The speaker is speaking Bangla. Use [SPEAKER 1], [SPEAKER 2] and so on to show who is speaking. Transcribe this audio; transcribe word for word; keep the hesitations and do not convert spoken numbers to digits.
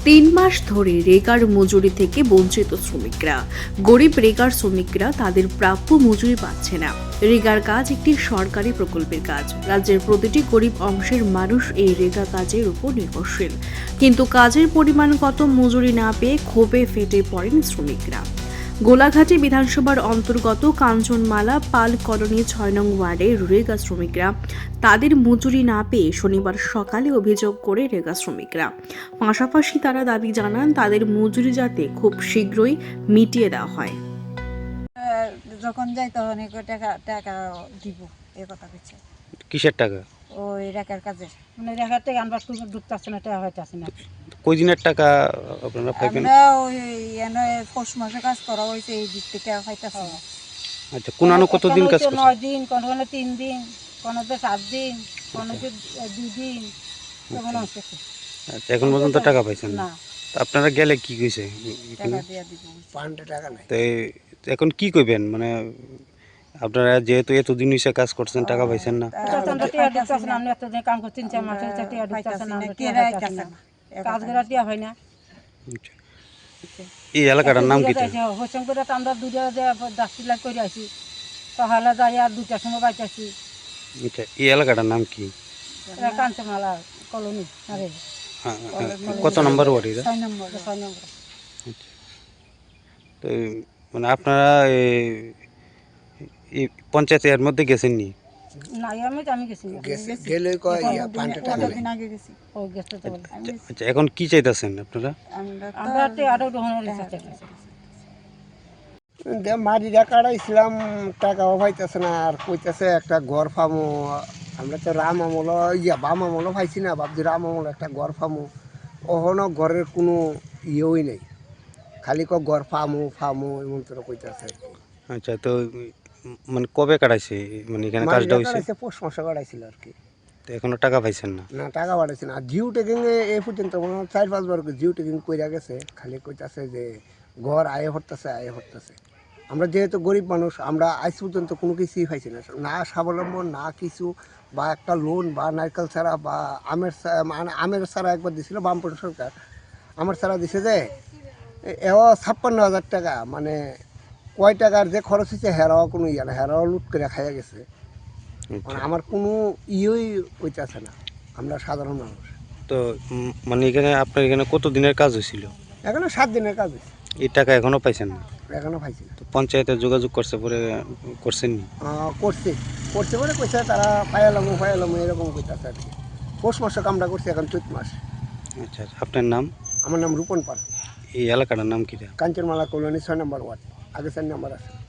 [SPEAKER 1] তিন মাস ধরে রেগার মজুরি থেকে বঞ্চিত শ্রমিকরা। গরিব রেগার শ্রমিকরা তাদের প্রাপ্য মজুরি পাচ্ছে না। রেগার কাজ একটি সরকারি প্রকল্পের কাজ। রাজ্যের প্রতিটি গরিব অংশের মানুষ এই রেগা কাজের উপর নির্ভরশীল, কিন্তু কাজের পরিমাণ কত মজুরি না পেয়ে ক্ষোভে ফেটে পড়েন শ্রমিকরা। গোলাঘাটি বিধানসভার অন্তর্গত কাঞ্চনমালা পাল কলোনি ছয় নং ওয়ার্ডের রেগা শ্রমিকরা তাদের মজুরি না পেয়ে শনিবার সকালে অভিযোগ করে রেগা শ্রমিকরা। পাশাপাশি তারা দাবি জানান তাদের মজুরি যাতে খুব শীঘ্রই মিটিয়ে দেওয়া হয়।
[SPEAKER 2] যখন যাই তখন টাকা টাকা দিব এই কথা বলছে।
[SPEAKER 3] কিসের টাকা?
[SPEAKER 2] ওই রেখার কাজে, মানে রেখার টাকা আনবার কোনো ঢুকতেছে না, টাকা হইতেছে না।
[SPEAKER 3] কই দিনের টাকা আপনারা পাইবেন?
[SPEAKER 2] আমরা ওই এনে পৌষ মাসে কাজ করা হয়েছে, এই দিক থেকে খাইতেছে না।
[SPEAKER 3] আচ্ছা, কোন আনো কতদিন কাজ করছেন?
[SPEAKER 2] নয় দিন, কোনো কোনো তিন দিন, কোনো তো সাত দিন, কোনো তো দুই দিন, তখন হচ্ছে।
[SPEAKER 3] আচ্ছা, এখন পর্যন্ত টাকা পাইছেন না? আপনারা গেলে কি কইছে?
[SPEAKER 2] টাকা দিয়ে দিব,
[SPEAKER 3] পাঁচটা টাকা নাই। তো এখন কি কইবেন? মানে আপনারা যেহেতু এতদিন হইছে কাজ করছেন, টাকা পাইছেন না?
[SPEAKER 2] কাম করছি তিন চার মাস হচ্ছে, টাকা ঢুকতেছে না, কাজ করা টিয়া হয় না।
[SPEAKER 3] এই এলাকাটার নাম কি?
[SPEAKER 2] হোসেন করে আমরা দুটা দশ লাখ করে আসি, সকালে যাই আর দুটার সময় পাইতেছি।
[SPEAKER 3] আচ্ছা, এই এলাকাটার নাম কি?
[SPEAKER 2] কাঞ্চনমালা কলোনি।
[SPEAKER 3] কত নম্বর ওয়ার্ড এটা?
[SPEAKER 2] ছয় নম্বর। ছয় নম্বর।
[SPEAKER 3] তো মানে আপনারা এই পঞ্চায়েতের মধ্যে গেছেন নি?
[SPEAKER 2] না, আমি আমি গেছি
[SPEAKER 3] গেলে কয় পাঁচটা টাকা দিন আগে গেছি। ও গেছে তো। আচ্ছা, এখন কি চাইতাছেন আপনারা?
[SPEAKER 2] আমরা তো আরো গ্রহণের ইচ্ছা চাইতাছি।
[SPEAKER 4] মারিরা কাটাইছিলাম, টাকাও পাইতেছে না, আর কইতেছে একটা ঘর ফামো। আমরা তো রাম আমল ইয়া বাম আমলও পাইছি না, ভাবছি রাম আমল একটা ঘর ফামো। ওখানেও ঘরের কোনো ইয়েই নেই, খালি ক ঘর ফামো ফামো এমন তোরা কইতেছে।
[SPEAKER 3] আচ্ছা, তো মানে কবে কাটাইছে? মানে এখানে কাজটা হইছে
[SPEAKER 4] পৌষ মাসে কাটাইছিল আর কি।
[SPEAKER 3] তো এখনো টাকা পাইছেন না?
[SPEAKER 4] না, টাকা পাঠাইছে না। আর জিও টেকিং এ পর্যন্ত চার পাঁচবার জিও টেকিং কইরা গেছে, খালি কইতাছে যে ঘর আয়ে হরতেছে আয়ে হরতেছে। আমরা যেহেতু গরিব মানুষ, আমরা আজ পর্যন্ত কোনো কিছুই পাইছি না, না স্বাবলম্বন না কিছু, বা একটা লোন বা নারকেল ছাড়া বা আমের মানে আমের ছাড়া একবার দিছিল বামপন্থী সরকার, আমার ছাড়া দিছে যে এও ছাপ্পান্ন হাজার টাকা, মানে কয় টাকার যে খরচ হয়েছে হেরাও কোনো ইয়ে না, হেরাও লুট করে খাইয়া গেছে। মানে আমার কোনো ইয়েই হইতেছে না, আমরা সাধারণ মানুষ।
[SPEAKER 3] তো মানে এখানে আপনার এখানে কত দিনের কাজ হয়েছিল?
[SPEAKER 4] এখনো সাত দিনের কাজ হয়েছে।
[SPEAKER 3] এই টাকা এখনো পাইছেন না?
[SPEAKER 4] এখনো পাইছি না।
[SPEAKER 3] তো পঞ্চায়েতে যোগাযোগ করছে পরে করছেন নি?
[SPEAKER 4] করছে করছে বলে কইছে তারা পাইলাম পাইলাম এরকম কইতাছে আর কি। পৌষ মাসে কামটা করছে, এখন চৈত মাস।
[SPEAKER 3] আচ্ছা, আপনার নাম?
[SPEAKER 4] আমার নাম রূপন পাল।
[SPEAKER 3] এই এলাকাটার নাম কি?
[SPEAKER 4] কাঞ্চনমালা কলোনি ছয় নম্বর ওয়ার্ড, আগে চার নম্বর আছে।